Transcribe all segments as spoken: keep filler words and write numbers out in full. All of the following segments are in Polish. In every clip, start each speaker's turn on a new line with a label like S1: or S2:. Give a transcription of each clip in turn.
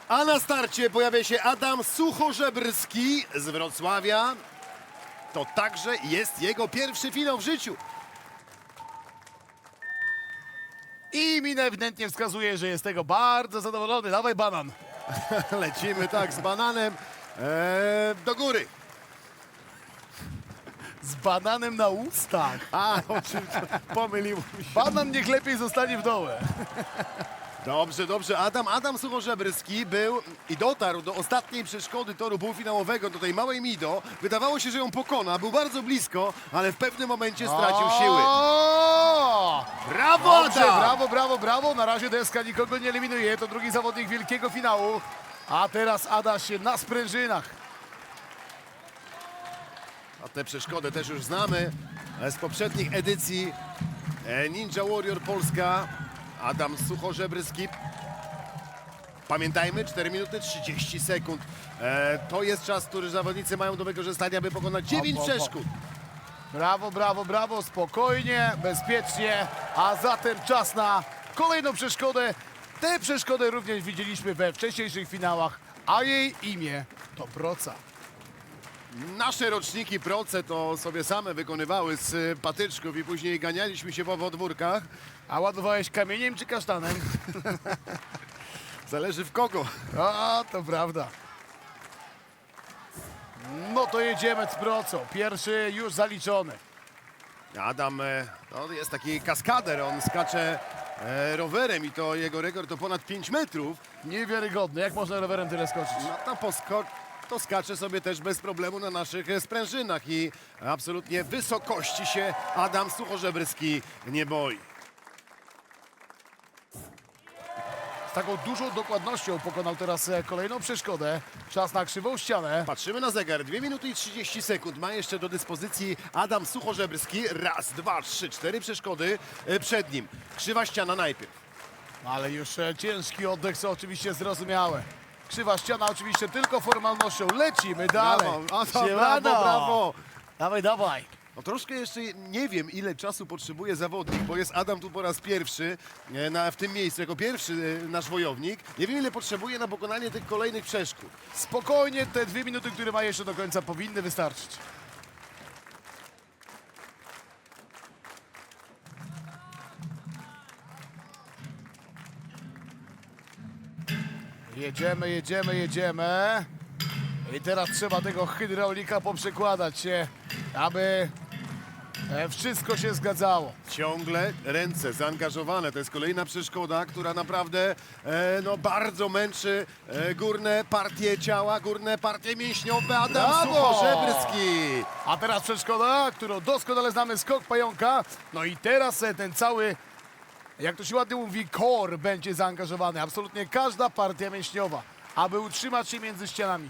S1: A na starcie pojawia się Adam Suchorzebrski z Wrocławia. To także jest jego pierwszy finał w życiu.
S2: I min ewidentnie wskazuje, że jest tego bardzo zadowolony. Dawaj banan.
S1: Lecimy tak z bananem eee, do góry.
S2: Z bananem na ustach.
S1: A, oczywiście, pomylił mi się.
S2: Banan niech lepiej zostanie w dole.
S1: Dobrze, dobrze. Adam, Adam Suchorzebrski był i dotarł do ostatniej przeszkody toru półfinałowego, do tej małej Mido. Wydawało się, że ją pokona. Był bardzo blisko, ale w pewnym momencie stracił siły.
S2: O!
S1: Brawo,
S2: Dobrze,
S1: Adam!
S2: brawo, brawo, brawo. Na razie deska nikogo nie eliminuje. To drugi zawodnik wielkiego finału. A teraz Adaś się na sprężynach.
S1: A tę przeszkodę też już znamy e, z poprzednich edycji e, Ninja Warrior Polska. Adam Suchorzebrski. Pamiętajmy, cztery minuty trzydzieści sekund. E, to jest czas, który zawodnicy mają do wykorzystania, by pokonać dziewięć
S2: Hop, hop, hop.
S1: przeszkód.
S2: Brawo, brawo, brawo. Spokojnie, bezpiecznie. A zatem czas na kolejną przeszkodę. Tę przeszkodę również widzieliśmy we wcześniejszych finałach, a jej imię to proca.
S1: Nasze roczniki proce to sobie same wykonywały z e, patyczków i później ganialiśmy się po podwórkach.
S2: A ładowałeś kamieniem czy kasztanem?
S1: Zależy w kogo.
S2: A, to prawda. No to jedziemy z procą. Pierwszy już zaliczony.
S1: Adam e, no, jest taki kaskader, on skacze e, rowerem i to jego rekord to ponad pięć metrów.
S2: Niewiarygodny. Jak można rowerem tyle skoczyć?
S1: No to, posko- to skacze sobie też bez problemu na naszych e, sprężynach i absolutnie wysokości się Adam Suchorzebrski nie boi.
S2: Z taką dużą dokładnością pokonał teraz e, kolejną przeszkodę. Czas na krzywą ścianę.
S1: Patrzymy na zegar, dwie minuty i trzydzieści sekund ma jeszcze do dyspozycji Adam Suchorzebrski. Raz, dwa, trzy, cztery przeszkody e, przed nim. Krzywa ściana najpierw.
S2: Ale już e, ciężki oddech, co oczywiście zrozumiałe. Krzywa ściana oczywiście tylko formalnością. Lecimy dalej.
S1: Brawo, a, to,
S2: Siemano.
S1: brawo, brawo.
S2: Dawaj, dawaj.
S1: No troszkę jeszcze nie wiem, ile czasu potrzebuje zawodnik, bo jest Adam tu po raz pierwszy e, na, w tym miejscu, jako pierwszy e, nasz wojownik. Nie wiem, ile potrzebuje na pokonanie tych kolejnych przeszkód.
S2: Spokojnie, te dwie minuty, które ma jeszcze do końca, powinny wystarczyć. Jedziemy, jedziemy, jedziemy. I teraz trzeba tego hydraulika poprzekładać się, aby e, wszystko się zgadzało.
S1: Ciągle ręce zaangażowane. To jest kolejna przeszkoda, która naprawdę e, no, bardzo męczy e, górne partie ciała, górne partie mięśniowe. Adam
S2: Brawo!
S1: Suchorzebrski.
S2: A teraz przeszkoda, którą doskonale znamy, skok pająka. No i teraz e, ten cały, jak to się ładnie mówi, core będzie zaangażowany. Absolutnie każda partia mięśniowa, aby utrzymać się między ścianami.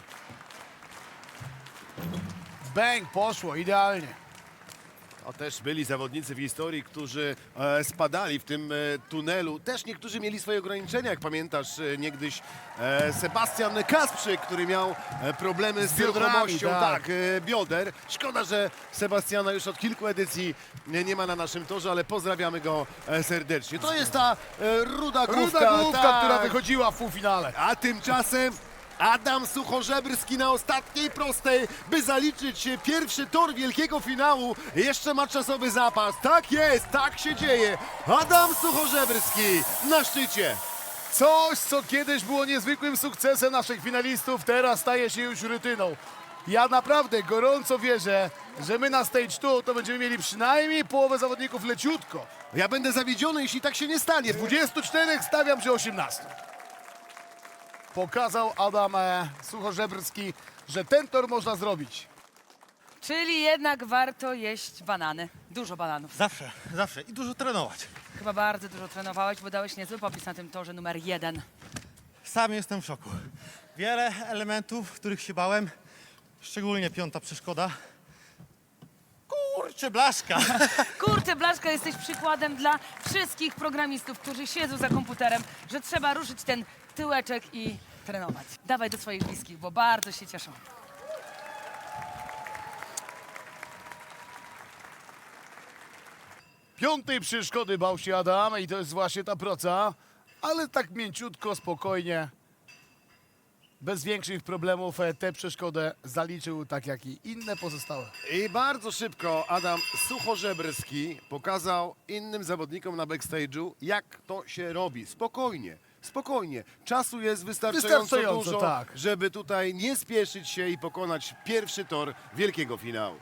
S2: Bang, poszło, idealnie.
S1: To też byli zawodnicy w historii, którzy e, spadali w tym e, tunelu. Też niektórzy mieli swoje ograniczenia, jak pamiętasz e, niegdyś e, Sebastian Kasprzyk, który miał e, problemy z,
S2: Z biodrami,
S1: ruchomością
S2: tak.
S1: tak, e, bioder. Szkoda, że Sebastiana już od kilku edycji nie, nie ma na naszym torze, ale pozdrawiamy go e, serdecznie. To jest ta e, ruda główka,
S2: Ruda główka,
S1: tak.
S2: która wychodziła w półfinale.
S1: A tymczasem Adam Suchorzebrski na ostatniej prostej, by zaliczyć pierwszy tor wielkiego finału. Jeszcze ma czasowy zapas. Tak jest, tak się dzieje. Adam Suchorzebrski na szczycie.
S2: Coś, co kiedyś było niezwykłym sukcesem naszych finalistów, teraz staje się już rutyną. Ja naprawdę gorąco wierzę, że my na stage two to będziemy mieli przynajmniej połowę zawodników leciutko.
S1: Ja będę zawiedziony, jeśli tak się nie stanie.
S2: dwudziestu czterech stawiam, że osiemnastu. Pokazał Adam e, Suchorzebrski, że ten tor można zrobić.
S3: Czyli jednak warto jeść banany. Dużo bananów.
S4: Zawsze, zawsze i dużo trenować.
S3: Chyba bardzo dużo trenowałeś, bo dałeś niezły popis na tym torze numer jeden.
S4: Sam jestem w szoku. Wiele elementów, których się bałem, szczególnie piąta przeszkoda. Kurczę, blaszka!
S3: Kurczę, Blaszka, jesteś przykładem dla wszystkich programistów, którzy siedzą za komputerem, że trzeba ruszyć ten tyłeczek i trenować. Dawaj do swoich bliskich, bo bardzo się cieszą.
S2: Piątej przeszkody bał się Adam i to jest właśnie ta proca, ale tak mięciutko, spokojnie. bez większych problemów e, tę przeszkodę zaliczył, tak jak i inne pozostałe.
S1: I bardzo szybko Adam Suchorzebrski pokazał innym zawodnikom na backstage'u, jak to się robi. Spokojnie, spokojnie. Czasu jest wystarczająco,
S2: Wystarczająco,
S1: dużo,
S2: tak.
S1: żeby tutaj nie spieszyć się i pokonać pierwszy tor wielkiego finału.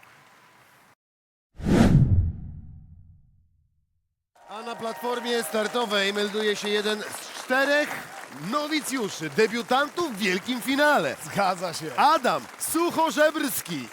S1: A na platformie startowej melduje się jeden z czterech nowicjuszy, debiutantów w wielkim finale.
S2: Zgadza się.
S1: Adam Suchorzebrski.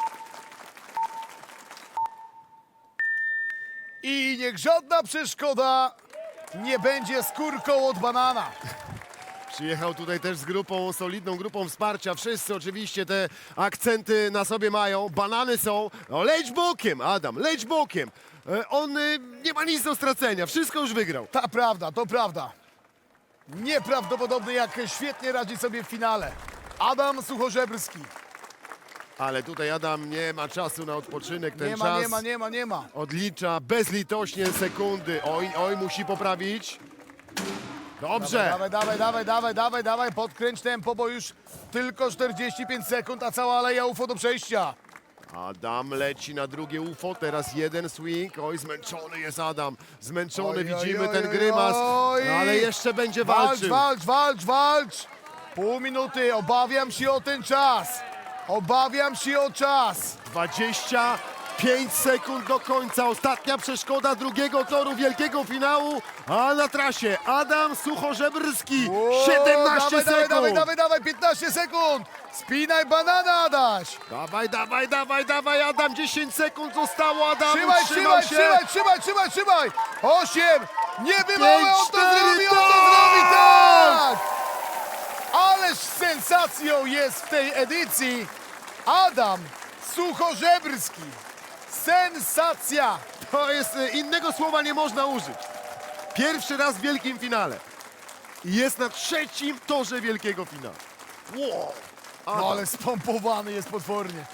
S2: I niech żadna przeszkoda nie będzie skórką od banana.
S1: Przyjechał tutaj też z grupą, solidną grupą wsparcia. Wszyscy oczywiście te akcenty na sobie mają. Banany są. No, leć bokiem, Adam, leć bokiem. E, On y, nie ma nic do stracenia, wszystko już wygrał.
S2: Ta prawda, to prawda. Nieprawdopodobne, jak świetnie radzi sobie w finale. Adam Suchorzebrski.
S1: Ale tutaj Adam nie ma czasu na odpoczynek. Ten
S2: Nie ma,
S1: czas
S2: nie ma, nie ma, nie ma.
S1: odlicza bezlitośnie sekundy. Oj, oj, musi poprawić. Dobrze.
S2: Dawaj, dawaj, dawaj, dawaj, dawaj, dawaj, podkręć tempo, bo już tylko czterdzieści pięć sekund, a cała aleja U F O do przejścia.
S1: Adam leci na drugie U F O, teraz jeden swing. Oj, zmęczony jest Adam, zmęczony,
S2: Oj, oj,
S1: widzimy
S2: oj,
S1: ten
S2: oj,
S1: grymas,
S2: oj.
S1: no, ale jeszcze będzie
S2: Walcz,
S1: walczył.
S2: walcz, walcz, walcz! Pół minuty, obawiam się o ten czas. Obawiam się o czas.
S1: dwadzieścia pięć sekund do końca, ostatnia przeszkoda drugiego toru wielkiego finału, a na trasie Adam Suchorzebrski,
S2: O,
S1: siedemnaście
S2: dawaj,
S1: sekund.
S2: Dawaj, dawaj, dawaj, piętnaście sekund. Spinaj banana, Adaś.
S1: Dawaj, dawaj, dawaj, dawaj, Adam, dziesięć sekund zostało, Adam,
S2: Trzymaj,
S1: utrzymał
S2: trzymaj,
S1: się.
S2: trzymaj, trzymaj, trzymaj, trzymaj. Osiem. Niebywały, on to
S1: cztery,
S2: zrobi, on to
S1: tak!
S2: zrobi, tak. Ależ sensacją jest w tej edycji Adam Suchorzebrski. Sensacja.
S1: To jest, y, innego słowa nie można użyć. Pierwszy raz w wielkim finale. I jest na trzecim torze wielkiego finału. Wow. Adam.
S2: No ale spompowany jest potwornie.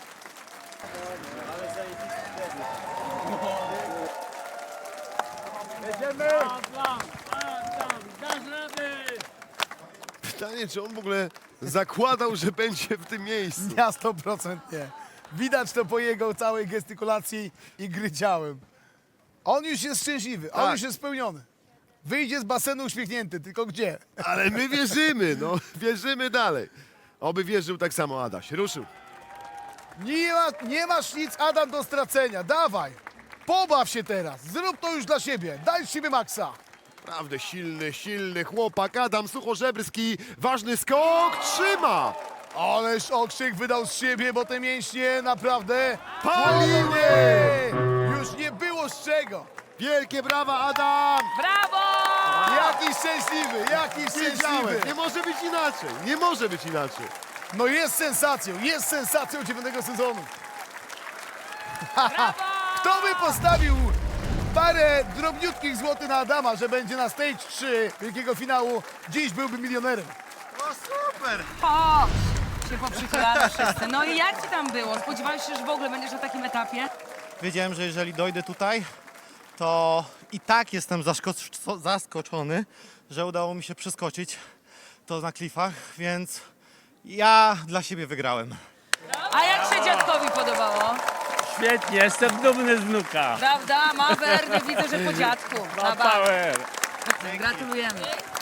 S1: Pytanie, czy on w ogóle zakładał, że będzie w tym miejscu.
S2: Ja sto procent nie. Widać to po jego całej gestykulacji i gry ciałem. On już jest szczęśliwy, on
S1: Tak.
S2: już jest spełniony. Wyjdzie z basenu uśmiechnięty, tylko gdzie?
S1: Ale my wierzymy, no. Wierzymy dalej. Oby wierzył tak samo Adaś. Ruszył.
S2: Nie, ma, nie masz nic, Adam, do stracenia. Dawaj, pobaw się teraz. Zrób to już dla siebie. Daj z siebie maksa.
S1: Naprawdę silny, silny chłopak. Adam Suchorzebrski. Ważny skok. Trzyma.
S2: Ależ okrzyk wydał z siebie, bo te mięśnie naprawdę
S1: Paliły!
S2: płonęły. Już nie było z czego.
S1: Wielkie brawa, Adam.
S3: Brawo!
S2: Jaki szczęśliwy, jaki
S1: Wiedziałem.
S2: szczęśliwy.
S1: Nie może być inaczej. Nie może być inaczej.
S2: No jest sensacją, jest sensacją dziewiątego sezonu.
S3: Brawo!
S2: Kto by postawił parę drobniutkich złotych na Adama, że będzie na stage trzy wielkiego finału, dziś byłby milionerem.
S1: No super.
S3: O! Się poprzychylamy wszyscy. No i jak ci tam było? Spodziewałeś się, że w ogóle będziesz na takim etapie?
S4: Wiedziałem, że jeżeli dojdę tutaj, to i tak jestem zaszko- zaskoczony, że udało mi się przeskoczyć to na klifach, więc ja dla siebie wygrałem.
S3: A jak się dziadkowi podobało?
S5: Świetnie, jestem dumny z wnuka.
S3: Prawda? Ma Werny, widzę, że po dziadku.
S5: Ma
S3: Na bank.
S5: power.
S3: Gratulujemy.